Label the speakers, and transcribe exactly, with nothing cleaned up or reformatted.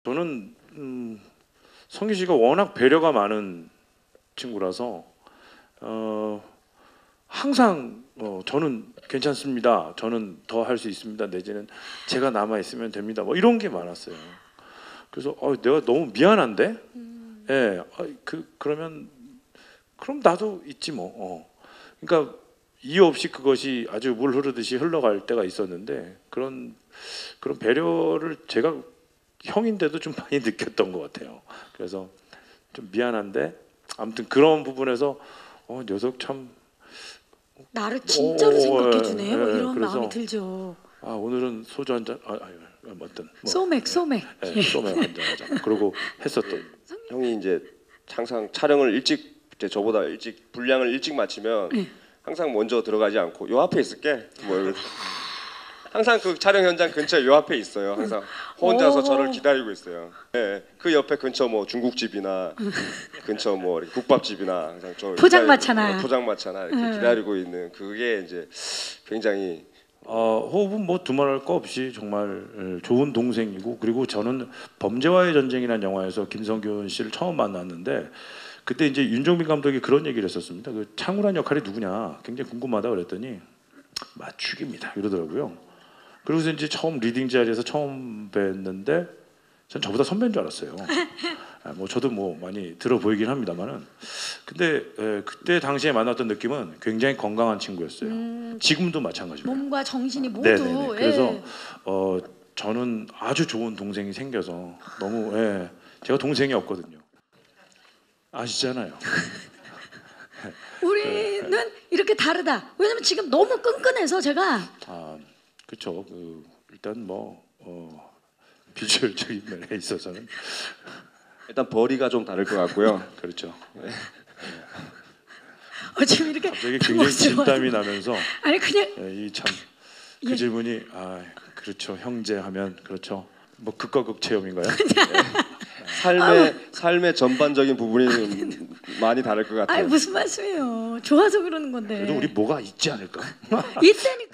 Speaker 1: 저는 음, 성기 씨가 워낙 배려가 많은 친구라서 어, 항상 어, 저는 괜찮습니다. 저는 더 할 수 있습니다. 내지는 제가 남아 있으면 됩니다. 뭐 이런 게 많았어요. 그래서 어, 내가 너무 미안한데,
Speaker 2: 음.
Speaker 1: 예, 어, 그 그러면 그럼 나도 있지 뭐. 어. 그러니까 이유 없이 그것이 아주 물 흐르듯이 흘러갈 때가 있었는데 그런 그런 배려를 제가 형인데도 좀 많이 느꼈던 것 같아요. 그래서 좀 미안한데 아무튼 그런 부분에서 어, 녀석 참
Speaker 2: 나를 진짜로
Speaker 1: 오,
Speaker 2: 생각해
Speaker 1: 예,
Speaker 2: 주네. 뭐
Speaker 1: 예,
Speaker 2: 이런
Speaker 1: 그래서,
Speaker 2: 마음이 들죠.
Speaker 1: 아 오늘은 소주 한 잔, 아, 아유, 뭐든 뭐,
Speaker 2: 소맥, 소맥.
Speaker 1: 예, 소맥 한 잔 하자. 그러고 했었던.
Speaker 3: 형이 이제 항상 촬영을 일찍 이제 저보다 일찍 분량을 일찍 마치면
Speaker 2: 네.
Speaker 3: 항상 먼저 들어가지 않고 요 앞에 있을게. 뭐 이러면서 항상 그 촬영 현장 근처에 요 앞에 있어요. 항상 혼자서
Speaker 2: 오.
Speaker 3: 저를 기다리고 있어요. 네, 그 옆에 근처 뭐 중국집이나 근처 뭐 이렇게 국밥집이나 항상 저
Speaker 2: 포장마차나.
Speaker 3: 기다리고, 포장마차나 이렇게
Speaker 2: 음.
Speaker 3: 기다리고 있는 그게 이제 굉장히
Speaker 1: 어, 호흡은 뭐 두말할 거 없이 정말 좋은 동생이고 그리고 저는 범죄와의 전쟁이라는 영화에서 김성균 씨를 처음 만났는데 그때 이제 윤종빈 감독이 그런 얘기를 했었습니다. 그 창우란 역할이 누구냐 굉장히 궁금하다 그랬더니 맞추기입니다 이러더라고요. 그리고서 이제 처음 리딩 자리에서 처음 뵀는데 전 저보다 선배인 줄 알았어요. 아, 뭐 저도 뭐 많이 들어 보이긴 합니다만은 근데 에, 그때 당시에 만났던 느낌은 굉장히 건강한 친구였어요.
Speaker 2: 음,
Speaker 1: 지금도 마찬가지고요.
Speaker 2: 몸과 정신이 모두.
Speaker 1: 네네네. 그래서
Speaker 2: 예.
Speaker 1: 어, 저는 아주 좋은 동생이 생겨서 너무 예, 제가 동생이 없거든요. 아시잖아요.
Speaker 2: 우리는 이렇게 다르다. 왜냐면 지금 너무 끈끈해서 제가
Speaker 1: 아 그렇죠. 그, 일단 뭐 어, 비주얼적인 면에 있어서는
Speaker 3: 일단 벌이가 좀 다를 것 같고요.
Speaker 1: 그렇죠.
Speaker 2: 어, 지금 이렇게
Speaker 1: 갑자기 굉장히
Speaker 2: 당황스러워요.
Speaker 1: 진땀이 나면서
Speaker 2: 아니 그냥
Speaker 1: 이 참 그
Speaker 2: 예.
Speaker 1: 질문이 아 그렇죠 형제 하면 그렇죠 뭐 극과 극 체험인가요?
Speaker 3: 삶의 삶의 전반적인 부분이 많이 다를 것 같아요.
Speaker 2: 아니 무슨 말씀이에요. 좋아서 그러는 건데.
Speaker 1: 그래도 우리 뭐가 있지 않을까?
Speaker 2: 이때니까.